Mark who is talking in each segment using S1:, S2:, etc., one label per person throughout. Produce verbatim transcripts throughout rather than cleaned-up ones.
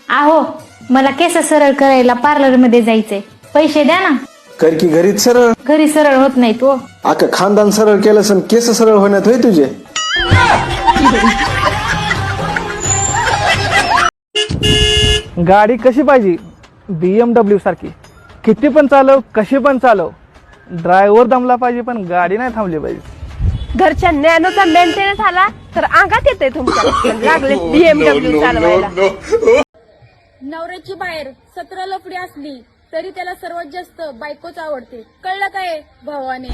S1: आहो मला केस सरळ करायला पार्लर मध्ये जायचंय, पैसे द्या ना.
S2: कर की घरीच सरळ.
S1: घरी सरळ होत नाही तो.
S2: अख्खं खानदान सरळ केलं सण केस सरळ होण्यात होय तुझे.
S3: गाडी कशी पाहिजे? बीएमडब्ल्यू सारखी, किती पण चालव कशी पण चालव. ड्रायव्हर दमला पाहिजे पण गाडी नाही थांबली पाहिजे.
S4: घरच्या नॅनोचा मेंटेनन्स आला तर अंगात येते तुमच्या, लागले बीएमडब्ल्यू चालवायला.
S5: नवऱ्याची बाहेर सतरा लफडी असली तरी त्याला सर्वात जास्त बायकोच आवडते, कळलं काय भावाने?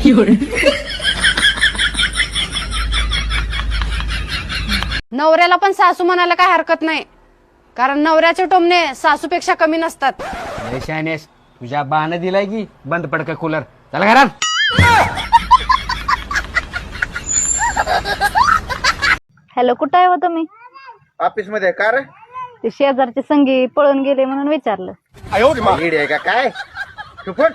S4: नवऱ्याला पण सासू म्हणायला काय हरकत नाही, कारण नवऱ्याचे टोमणे सासूपेक्षा कमी नसतात.
S6: शानेस तुझ्या बाण दिलाय की बंद पडका कूलर. चला घरात.
S1: हॅलो, कुठं आहे हो तुम्ही?
S6: ऑफिस मध्ये का रे?
S1: ते शेजारचे संगी पळून गेले म्हणून विचारलं.
S6: लीड आहे का काय? तू पण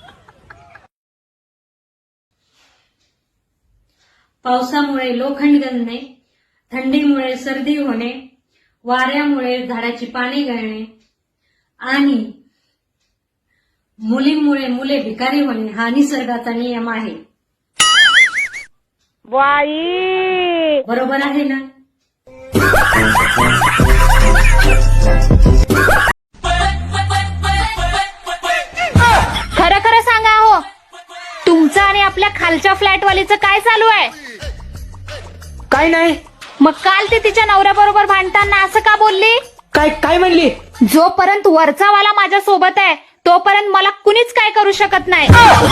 S7: पावसामुळे लोखंड गळणे, थंडीमुळे सर्दी होणे, वाऱ्यामुळे झाडाची पाने गळणे आणि मुलींमुळे मुले भिकारी होणे हा निसर्गाचा नियम आहे.
S4: बाई
S7: बरोबर आहे ना?
S1: खरं खरं सांगा हो, तुमचं आणि आपल्या खालच्या फ्लॅटवालीचं काय चालू आहे?
S8: काय नाही.
S1: मग काल ते तिच्या नवऱ्याबरोबर भांडताना असं का बोलली?
S8: काय काय म्हणली?
S1: जोपर्यंत वरचा वाला माझ्या सोबत आहे तोपर्यंत मला कुणीच काय करू शकत नाही.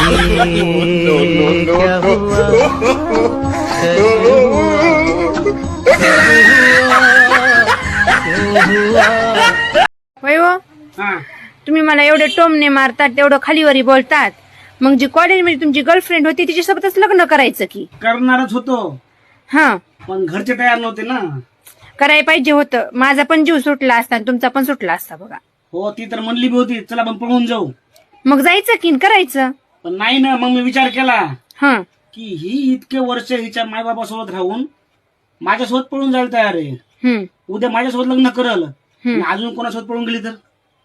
S4: होय हो, तुम्ही मला एवढे टोमणे मारतात, तेवढं खालीवरी बोलतात, मग जी कॉलेजमध्ये तुमची गर्लफ्रेंड होती तिच्यासोबतच लग्न करायचं की?
S8: करणारच होतो
S4: हा,
S8: पण घरचे तयार नव्हते ना.
S4: करायला पाहिजे होतं. माझा पण जीव सुटला असता आणि तुमचा पण सुटला असता बघा.
S8: हो, ती तर म्हणली बी होती चला आपण पळून जाऊ,
S4: मग जायचं की करायचं?
S8: पण नाही ना. मग मी विचार केला
S4: हा,
S8: की ही इतके वर्ष हिच्या मायबापासोबत राहून माझ्यासोबत पळून जायला तयार आहे.
S4: हम्म,
S8: उद्या माझ्यासोबत लग्न करल आणि अजून कोणासोबत पळून गेली तर?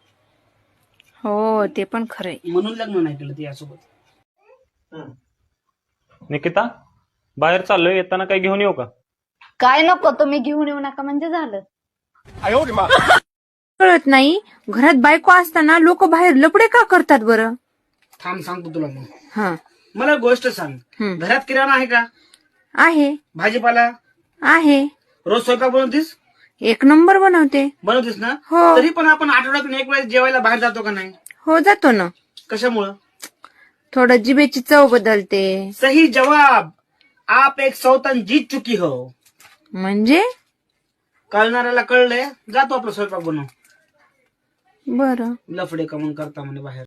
S4: हो ते पण खरंय.
S8: म्हणून लग्न नाही केलं तिच्यासोबत.
S9: निकिता, बाहेर चाललोय, येताना काही घेऊन येऊ का?
S1: काय नको, तुम्ही घेऊन येऊ नका म्हणजे झालं.
S4: कळत नाही, घरात बायको असताना लोक बाहेर लपडे का करतात बरं?
S8: थांब सांगतो तुला मग.
S4: हा,
S8: मला एक गोष्ट सांग,
S4: हम्म.
S8: घरात किराणा आहे का?
S4: आहे
S8: भाजीपाला
S4: आहे,
S8: रोज स्वयंपाक बनवतीस?
S4: एक नंबर बनवते.
S8: बनवतीस ना?
S4: हो.
S8: तरी पण आपण आठवड्यातून एक वेळेस जेवायला बाहेर जातो का नाही?
S4: हो जातो ना.
S8: कशामुळं?
S4: थोडं जिभेची चव बदलते.
S8: सही जवाब. आप एक सौतन जीत चुकी हो.
S4: म्हणजे
S8: कळणाऱ्याला कळलंय, जातो आपला स्वयंपाक बनव.
S4: बरं.
S8: लफडे कमून करता म्हणे बाहेर.